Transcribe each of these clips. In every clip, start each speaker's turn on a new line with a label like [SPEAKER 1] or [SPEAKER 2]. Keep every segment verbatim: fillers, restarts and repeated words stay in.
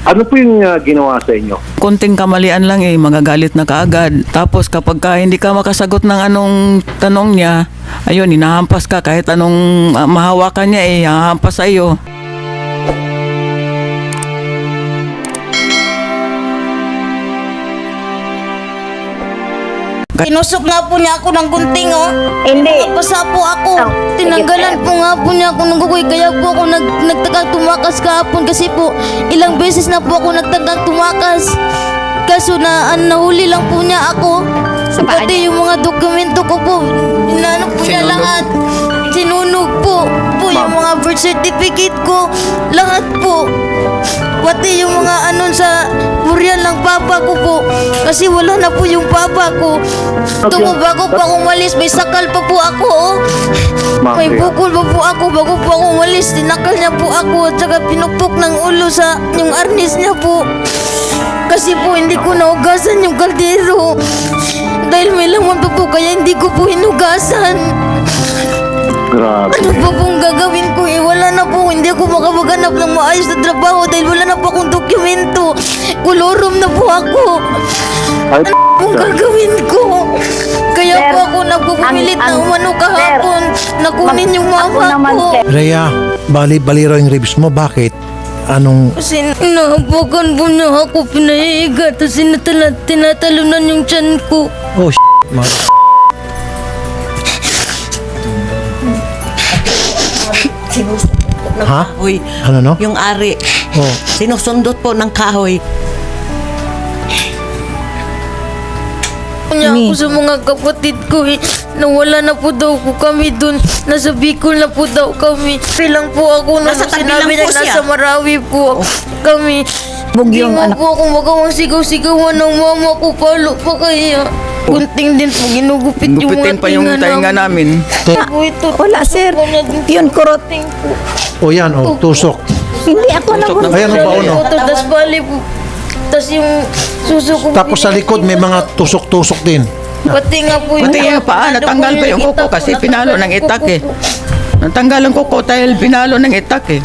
[SPEAKER 1] Ano po yung uh, ginawa sa inyo?
[SPEAKER 2] Konting kamalian lang eh, magagalit na kaagad. Tapos kapag ka hindi ka makasagot ng anong tanong niya, ayun, hinahampas ka kahit anong uh, mahawakan niya eh, hahampas sa iyo.
[SPEAKER 3] Tinusok nga po niya ako ng gunting, oh.
[SPEAKER 4] Hindi.
[SPEAKER 3] Basa po ako.
[SPEAKER 4] Oh,
[SPEAKER 3] Tinanggalan
[SPEAKER 4] sige,
[SPEAKER 3] po nga po niya ako ng gugoy. Kaya po ako nag, nagtagang tumakas kahapon kasi po ilang beses na po ako nagtagang tumakas. Kaso na an, nahuli lang po niya ako.
[SPEAKER 4] Sa paa
[SPEAKER 3] Pati yung mga dokumento ko po, inano po niya
[SPEAKER 2] Sinunog.
[SPEAKER 3] lahat. Sinunog po. Po yung mga birth certificate ko. Lahat po. Pati yung mga anon sa burial ng papa ko po. Kasi wala na po yung papa ko. Tungo bago pa ako umalis, may sakal pa po ako, oh. May
[SPEAKER 1] Mafia.
[SPEAKER 3] bukol pa po ako bago po ako umalis. Tinakal niya po ako at saka pinupok ng ulo sa yung arnis niya po. Kasi po hindi ko naugasan yung kaldero. Dahil may laman pa po kaya hindi ko po hinugasan.
[SPEAKER 1] Grabe.
[SPEAKER 3] Ano pa pong gagawin ko eh? Wala na po. Hindi ako makapaghanap ng maayos na trabaho dahil wala na po akong dokumento. Kolorom na po ako.
[SPEAKER 1] Ay,
[SPEAKER 3] Ano pong gagawin ko? Kaya
[SPEAKER 4] Sir,
[SPEAKER 3] po ako nagpupumilit
[SPEAKER 4] ang-
[SPEAKER 3] na
[SPEAKER 4] ang-
[SPEAKER 3] umano kahapon. Nakunin yung
[SPEAKER 4] Ako
[SPEAKER 3] mama
[SPEAKER 4] naman,
[SPEAKER 3] ko.
[SPEAKER 4] sir.
[SPEAKER 5] Rhea, bali, baliro yung ribs mo. Bakit? Anong...
[SPEAKER 3] Kasi naapakan po niya ako pinahiga. Tapos sinatala, tinatalunan yung tiyan ko.
[SPEAKER 5] Oh, s***. Mga...
[SPEAKER 6] Sinusundot ng
[SPEAKER 5] Ha?
[SPEAKER 6] kahoy.
[SPEAKER 5] Ano, no?
[SPEAKER 6] Yung ari.
[SPEAKER 5] Oh,
[SPEAKER 6] Sinusundot po ng kahoy.
[SPEAKER 3] Niya ako sa mga kapatid ko eh. Nawala na po daw po kami dun. Nasa Bicol na po daw kami. Bilang po ako na
[SPEAKER 6] Nasa tabi
[SPEAKER 3] sinabi
[SPEAKER 6] lang
[SPEAKER 3] niya
[SPEAKER 6] po siya.
[SPEAKER 3] nasa Marawi po kami. Hindi
[SPEAKER 4] Bugyong
[SPEAKER 3] mo
[SPEAKER 4] anak.
[SPEAKER 3] po ako magawang sigaw-sigawan ng mama ko. Palo pa kaya. Gunting din po. Ginugupit yung
[SPEAKER 2] Gupitin
[SPEAKER 3] mga
[SPEAKER 2] pa yung tainga namin.
[SPEAKER 3] Po ito.
[SPEAKER 4] Wala, sir. Yun, kurot.
[SPEAKER 5] oh yan, oh, tusok.
[SPEAKER 4] Hindi ako
[SPEAKER 2] Tusok
[SPEAKER 4] nang...
[SPEAKER 2] ng-
[SPEAKER 5] Ayan, ang baon, oh.
[SPEAKER 3] Tapos bali po. Tapos yung suso ko.
[SPEAKER 5] Tapos sa likod, may mga tusok-tusok din.
[SPEAKER 3] Pati nga po
[SPEAKER 2] Pati yung paa, natanggal pa yung kuko kasi pinalo ng itak eh. Natanggal ang kuko dahil pinalo ng itak eh.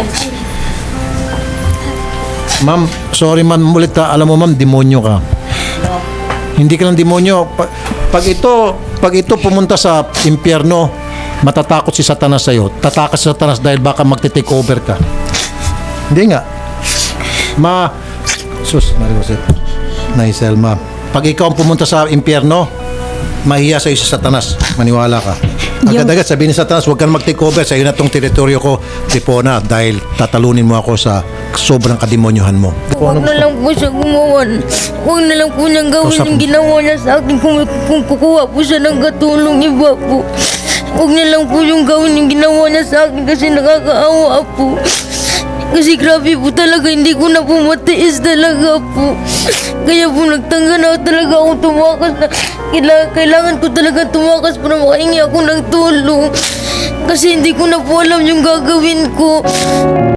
[SPEAKER 5] Ma'am, sorry ma'am, ulit ha. Alam mo ma'am, demonyo ka. Hindi ka ng demonyo. Pa- Pag ito, pag ito pumunta sa impyerno, matatakot si Satanas sa'yo. Tatakas si Satanas dahil baka magte-take over ka. Hindi nga. Ma, sus, Mariosep, Naiselma. Pag ikaw ang pumunta sa impyerno, mahiya sa'yo si Satanas. Maniwala ka. Agad-agad sabihin ni Satanas, huwag ka na mag-take over. Sa'yo na tong teritoryo ko, Tripona, dahil tatalunin mo ako sa sobrang kademonyohan mo.
[SPEAKER 3] Huwag na lang po siya gumawa. Huwag na lang po niyang gawin
[SPEAKER 5] Kausap
[SPEAKER 3] yung
[SPEAKER 5] mo.
[SPEAKER 3] ginawa niya sa akin kung, kung kukuha po siya ng katulong iba po. Huwag niya lang po yung gawin yung ginawa niya sa akin kasi nakakaawa po. Kasi grabe po talaga, hindi ko na po matiis talaga po. Kaya po nagtangga na talaga ako tumakas na kailangan, kailangan ko talaga tumakas para makahingi ako ng tulong. Kasi hindi ko na po alam yung gagawin ko.